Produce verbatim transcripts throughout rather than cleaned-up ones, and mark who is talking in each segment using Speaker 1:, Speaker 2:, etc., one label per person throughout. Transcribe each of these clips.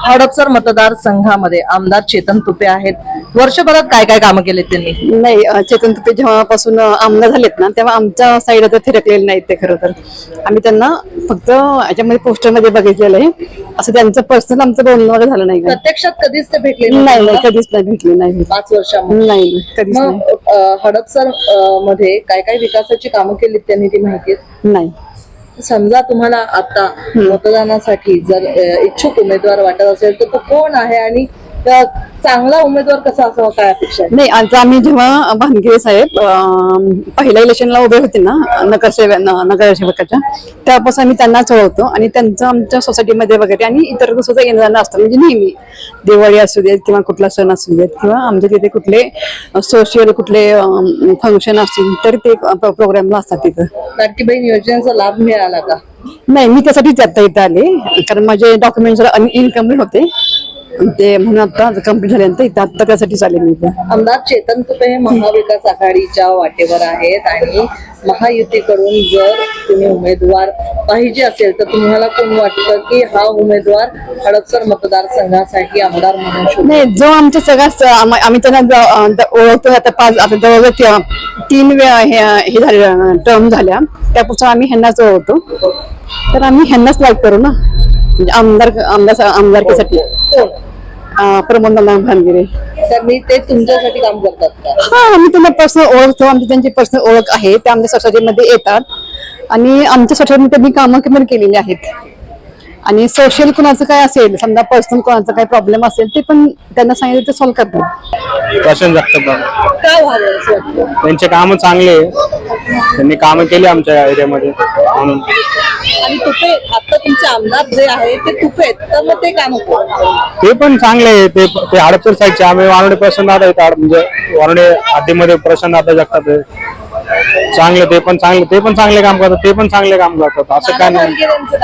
Speaker 1: हडपसर मतदारसंघामध्ये आमदार चेतन तुपे आहेत. वर्षभरात काय काय कामं केलेत त्यांनी?
Speaker 2: नाही, अ, चेतन तुपे जेव्हापासून अ, आमदार झालेत ना तेव्हा आमच्या साईडला तर फिरकलेले नाहीत ते. खरं तर आम्ही त्यांना फक्त याच्यामध्ये पोस्टरमध्ये बघितलेलं आहे, असं त्यांचं पर्सनल आमचं बोलणं वगैरे झालं नाही. का
Speaker 1: प्रत्यक्षात कधीच ते भेटले
Speaker 2: नाही
Speaker 1: नव्हते
Speaker 2: नाही
Speaker 1: का?
Speaker 2: कधीच नाही भेटले, नाही भेटले.
Speaker 1: पाच वर्षामध्ये
Speaker 2: नाही कधीच
Speaker 1: मग
Speaker 2: नाही.
Speaker 1: अ, हडपसर अ, मध्ये काय काय विकासाची कामं केलीत त्यांनी ती माहिती आहे?
Speaker 2: नाही.
Speaker 1: समजा तुम्हाला आता मतदानासाठी जर अ, इच्छुक उमेदवार वाटत असेल तर तो कोण आहे आणि अ, चांगला उमेदवार कसा असावा, काय अपेक्षा आहे?
Speaker 2: नाही, आता आम्ही जेव्हा भानगिरे साहेब अं, पहिल्या इलेक्शनला उभे होते ना नगरसेवक नगरसेवकाच्या, त्यापासून आम्ही त्यांनाच ओळखतो आणि त्यांचं आमच्या सोसायटीमध्ये वगैरे आणि इतर सुद्धा येणं जाणं असतं. म्हणजे नेहमी दिवाळी असू देत किंवा कुठला सण असू देत किंवा आमच्या तिथे कुठले सोशल कुठले फंक्शन असतील तर ते प्रोग्रामला असतात तिथं.
Speaker 1: लाडकी बहीण योजनेचा लाभ मिळाला का?
Speaker 2: नाही, मी त्यासाठीच आता इथं आले, कारण माझे डॉक्युमेंट्स इनकम्प्लीट होते ते, म्हणून आता कम्प्लीट झाल्यानंतर इथं आता त्यासाठी आले मी इथं.
Speaker 1: आमदार चेतन तुपे हे महाविकास आघाडीच्या वाटेवर आहेत आणि महायुतीकडून जर तुम्ही उमेदवार पाहिजे असेल तर तुम्हाला कोण वाटतं की हा उमेदवार हडपसर मतदारसंघासाठी आमदार म्हणून शोधू?
Speaker 2: नाही, जो आमच्या सगळ्यात आम- आम्ही त्यांना ज- ज- ओळखतो आता पाच आता जवळजवळ ती- तीन वेळा हे हे झाले टर्म झाल्या, त्यापासून आम्ही ह्यांनाच ओळखतो, तर आम्ही ह्यांनाच लाईक करू ना, म्हणजे आमदार आमदार आमदारकीसाठी.
Speaker 1: कोण?
Speaker 2: अं, प्रमोद नाना भानगिरे.
Speaker 1: तर मी ते तुमच्यासाठी काम करतात का?
Speaker 2: हा, आम्ही त्यांना पर्सनल ओळखतो, आमची त्यांची पर्सनल ओळख आहे, ते आमच्या सोसायटीमध्ये येतात आणि आमच्या सोसायटीमध्ये त्यांनी कामं पण केलेली आहेत. आणि सोशल कोणाचं काय असेल, समजा पर्सनल कोणाचा काय प्रॉब्लेम असेल ते पण त्यांना सांगितलं ते सॉल्व्ह करतात.
Speaker 3: प्रशांत जगताप
Speaker 1: काय व्हावं असं वाटतं?
Speaker 3: त्यांचे काम चांगले आहे. त्यांनी कामं केली आमच्या एरियामध्ये म्हणून.
Speaker 1: आणि तुपे आता तुमचे आमदार जे आहे ते तुपे आहेत, तर मग ते काम
Speaker 3: ते पण चांगले आहे. ते ते हडपसर साईडचे आम्ही वानवडे प्रशांत दादा आहेत, म्हणजे वानवडे हद्दीमध्ये प्रशांत दादा जगताप आहे. चांगले ते पण चांगले ते पण चांगले काम करतात, ते पण चांगले काम करतात, असं काय नाही.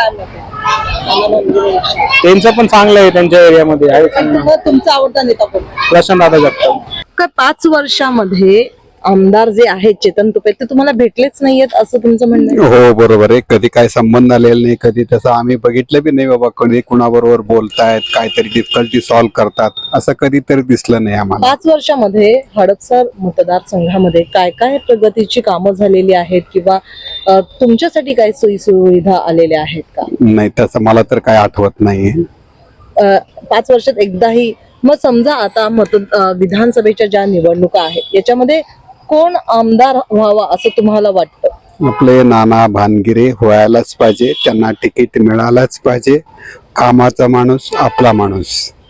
Speaker 3: त्यांचं पण चांगलं आहे त्यांच्या एरियामध्ये आहे.
Speaker 1: तुमचा आवडता नेता कोण?
Speaker 3: प्रशांत दादा जगताप.
Speaker 1: का पाच वर्षामध्ये आमदार जे आहेत चेतन तुपे ते तुम्हाला भेटलेच नाहीयेत असं तुमचं म्हणणं आहे?
Speaker 4: हो, बरोबर आहे. कधी काय संबंध आलेला नाही, कधी त्याचं आम्ही बघितलं बी नाही बाबा. कधी कुणाबरोबर बोलतायत, काहीतरी डिफिकल्टी सॉल्व्ह करतात, असं कधीतरी दिसलं नाही आम्हाला.
Speaker 1: पाच वर्षामध्ये हडपसर मतदारसंघामध्ये काय काय प्रगतीची कामं झालेली आहेत किंवा अ, तुमच्यासाठी काय सोयी सुविधा आलेल्या आहेत का?
Speaker 4: नाही, तसं मला तर काय आठवत नाही.
Speaker 1: अ, पाच वर्षात एकदाही? मग समजा आता मत अ, विधानसभेच्या ज्या निवडणुका आहेत याच्यामध्ये कोण आमदार व्हावा असं तुम्हाला वाटतं?
Speaker 4: आपले नाना भानगिरे व्हायलाच पाहिजे, त्यांना तिकीट मिळालंच पाहिजे. कामाचा माणूस, आपला माणूस.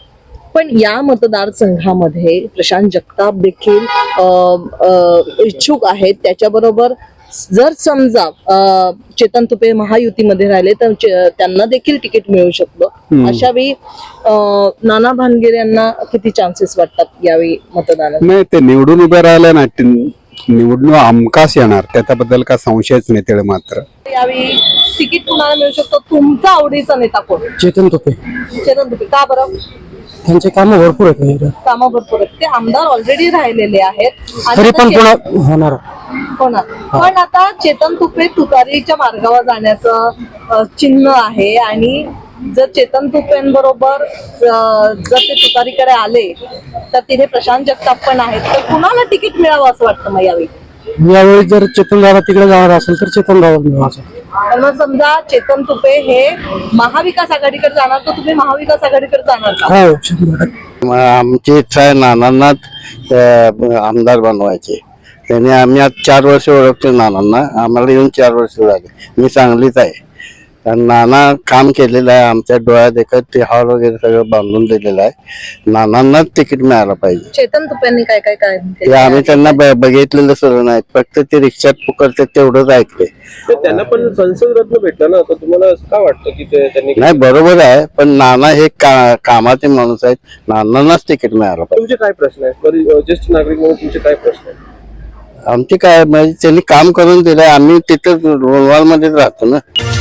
Speaker 1: पण या मतदारसंघामध्ये प्रशांत जगताप देखील अ, अ, इच्छुक आहेत. त्याच्याबरोबर जर समजा अ, चेतन तुपे महायुतीमध्ये राहिले तर चे- त्यांना देखील तिकीट मिळू शकतं. अशा वेळी अ, नाना भानगिरे यांना किती चान्सेस वाटतात यावेळी मतदानात?
Speaker 4: नाही, ते निवडून उभे राहिले ना, ती निवडणूक हमखास येणार, त्याच्याबद्दल काय संशयच नाही. तेवढं मात्र
Speaker 1: यावेळी तिकीट कुणाला मिळू शकतो? तुमचा आवडीचा नेता कोण?
Speaker 5: चेतन तुपे.
Speaker 1: चेतन तुपे. का बरं?
Speaker 5: त्यांचे काम भरपूर आहेत,
Speaker 1: कामं भरपूर आहेत. ते आमदार ऑलरेडी राहिलेले आहेत आणि
Speaker 5: तरी
Speaker 1: आता
Speaker 5: पण
Speaker 1: चे-
Speaker 5: पुन्हा होणार.
Speaker 1: होणार. पण आता चेतन तुपे तुतारीच्या मार्गावर जाण्याचं अ, चिन्ह आहे आणि जर चेतन तुपेंबरोबर अ, जर ते तुतारीकडे आले तर तिथे प्रशांत जगताप पण आहेत, तर कुणाला तिकीट मिळावं असं वाटतं मग यावेळी?
Speaker 5: यावेळी जर चेतन दादा तिकडे जाणार असेल तर चेतन दादा मिळवायचं.
Speaker 1: तर मग समजा चेतन तुपे हे महाविकास आघाडीकडे जाणार तर तुम्ही महाविकास आघाडीकडे जाणार का?
Speaker 5: हो, शंभर टक्के.
Speaker 6: आमची इच्छा आहे नानांनाच अं, आमदार बनवायचे. त्याने आम्ही आज चार वर्ष ओळखतो नानांना, आम्हाला येऊन चार वर्ष झाले. मी सांगलीच आहे, कारण नाना काम केलेलं आहे आमच्या डोळ्यात देखत. ते हॉल वगैरे सगळं बांधून दिलेलं आहे. नानांनाच तिकीट मिळायला पाहिजे.
Speaker 1: चेतन तुपेंनी काय काय काय
Speaker 6: ते आम्ही त्यांना ब- बघितलेलं सुरू नाही, फक्त ते रिक्षात पुकारते तेवढंच ऐकले.
Speaker 7: त्यांना पण संसद रत्न भेटलं ना, तर तुम्हाला काय वाटतं की ते त्यांनी?
Speaker 6: नाही, बरोबर आहे, पण नाना हे का कामाचे माणूस आहेत, नानांनाच तिकीट मिळालं पाहिजे.
Speaker 7: तुमचे काय प्रश्न आहेत बरी ज्येष्ठ नागरिक म्हणून तुमचे काय प्रश्न आहेत?
Speaker 6: आमचे काय म्हणजे त्यांनी काम करून दिलंय, आम्ही तिथं रोलवाल मध्येच राहतो ना.